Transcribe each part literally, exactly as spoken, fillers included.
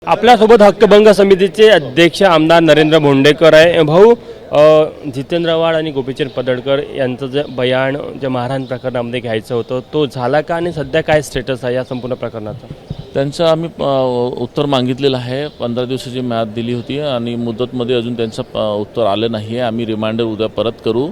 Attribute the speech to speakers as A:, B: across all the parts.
A: आपल्यासोबत हक्कभंग समितीचे अध्यक्ष आमदार नरेंद्र भोंडेकर आहे। भाऊ, जितेंद्र आव्हाड आणि गोपीचंद पडळकर यांचं जे बयान जे मारहाण प्रकरणामध्ये घ्यायचं होतं तो झाला का आणि सध्या काय स्टेटस आहे या संपूर्ण प्रकरणाचा?
B: त्यांचं आम्ही उत्तर मागितलेलं आहे। पंधरा दिवसाची म्याद दिली होती आणि मुदतमध्ये अजून त्यांचं उत्तर आलं नाही आहे। आम्ही रिमाइंडर उद्या परत करू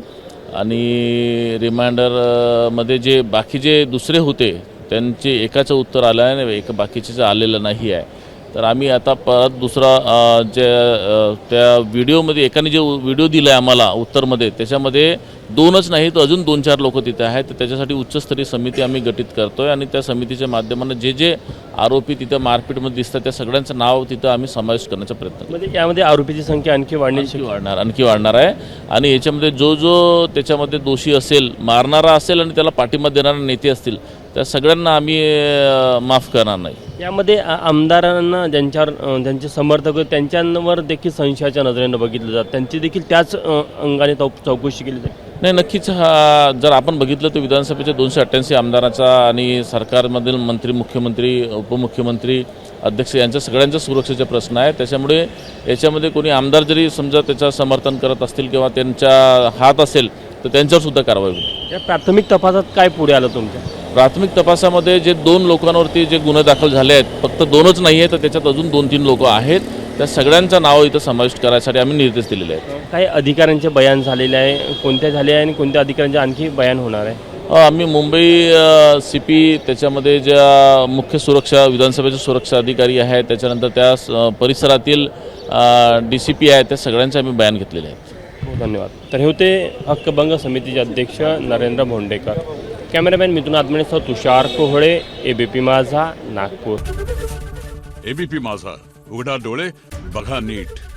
B: आणि रिमाइंडरमध्ये जे बाकी जे दुसरे होते त्यांचे एकाचं उत्तर आलं आहे आणि एक बाकीचं आलेलं नाही आहे। तर आम्ही आता परत दुसरा जे त्या व्हिडिओमध्ये एकाने जे व्हिडिओ दिला आहे आम्हाला उत्तरमध्ये त्याच्यामध्ये दोनच नाही तर अजून दोन चार लोक तिथे आहेत। तर त्याच्यासाठी उच्चस्तरीय समिती आम्ही गठीत करतो आहे आणि त्या समितीच्या माध्यमातून जे जे आरोपी तिथे मारपीटमध्ये दिसतात त्या सगळ्यांचं नाव तिथं आम्ही समावेश करण्याचा प्रयत्न करतो।
A: म्हणजे यामध्ये आरोपीची संख्या आणखी वाढण्याची
B: वाढणार आणखी वाढणार आहे आणि याच्यामध्ये जो जो त्याच्यामध्ये दोषी असेल, मारणारा असेल आणि त्याला पाठिंबा देणारे नेते असतील त्या सगळ्यांना आम्ही माफ करणार नाही।
A: यामध्ये आमदारांना ज्यांच्यावर ज्यांचे समर्थक आहेत त्यांच्यावर देखील संशयाच्या नजरेनं बघितलं जातं, त्यांची देखील त्याच अंगाने चौकशी केली जाते।
B: नाही, नक्कीच हा जर आपण बघितलं तर विधानसभेच्या दोनशे अठ्ठ्याऐंशी आमदाराचा आणि सरकारमधील मंत्री, मुख्यमंत्री, उपमुख्यमंत्री, अध्यक्ष यांच्या सगळ्यांचा सुरक्षेचा प्रश्न आहे। त्याच्यामुळे याच्यामध्ये कोणी आमदार जरी समजा त्याचं समर्थन करत असतील किंवा त्यांच्या हात असेल तर त्यांच्यावर सुद्धा कारवाई होईल।
A: या प्राथमिक तपासात काय पुढे आलं तुमच्या?
B: प्राथमिक तपासामध्ये जे दोन लोकांवरती जे गुन्हे दाखल झाले आहेत, फक्त दोनच नाही आहे तर त्याच्यात अजून दोन तीन लोक आहेत, त्या सगळ्यांचं नाव इथं समाविष्ट करायसाठी आम्ही निर्देश दिलेले आहेत।
A: काही अधिकाऱ्यांचे बयान झालेले आहे, कोणत्या झाले आहे आणि कोणत्या अधिकाऱ्यांचे आणखी बयान होणार आहे?
B: आम्ही मुंबई सी पी त्याच्यामध्ये ज्या मुख्य सुरक्षा विधानसभेचे सुरक्षा अधिकारी आहेत, त्याच्यानंतर त्या परिसरातील डी सी पी आहेत, त्या सगळ्यांचे आम्ही बयान घेतलेले आहेत।
A: धन्यवाद। तर हे होते हक्कभंग समितीचे अध्यक्ष नरेंद्र भोंडेकर। कॅमेरामॅन मिथुन आत्मनेसह तुषार कोहळे, एबीपी माझा, नागपूर।
C: एबीपी माझा, उघडा डोळे बघा नीट।